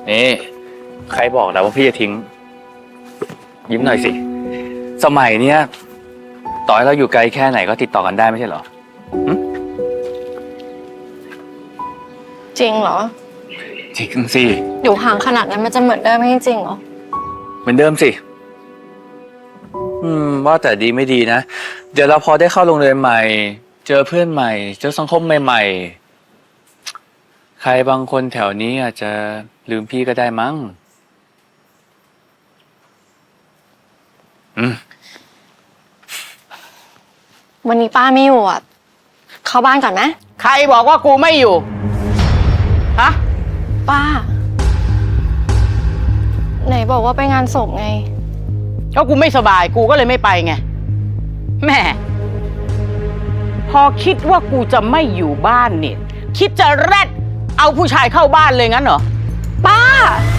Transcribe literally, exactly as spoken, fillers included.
นี่ใครบอกแล้วว่าพี่จะทิ้งยิ้มหน่อยสิสมัยเนี้ยต่อให้เราอยู่ไกลแค่ไหนก็ติดต่อกันได้ไม่ใช่เหรอจริงเหรอจริงสิอยู่ห่างขนาดนั้นมันจะเหมือนเดิมไม่จริงเหรอเหมือนเดิมสิอืมว่าแต่ดีไม่ดีนะเดี๋ยวเราพอได้เข้าโรงเรียนใหม่เจอเพื่อนใหม่เจอสังคมใหม่ๆใครบางคนแถวนี้อาจจะลืมพี่ก็ได้มั้งอืมวันนี้ป้าไม่อยู่อ่ะเข้าบ้านก่อนไหมใครบอกว่ากูไม่อยู่ฮะป้าไหนบอกว่าไปงานศพไงก็กูไม่สบายกูก็เลยไม่ไปไงแม่พอคิดว่ากูจะไม่อยู่บ้านเนี่ยคิดจะแรดเอาผู้ชายเข้าบ้านเลยงั้นเหรอป้า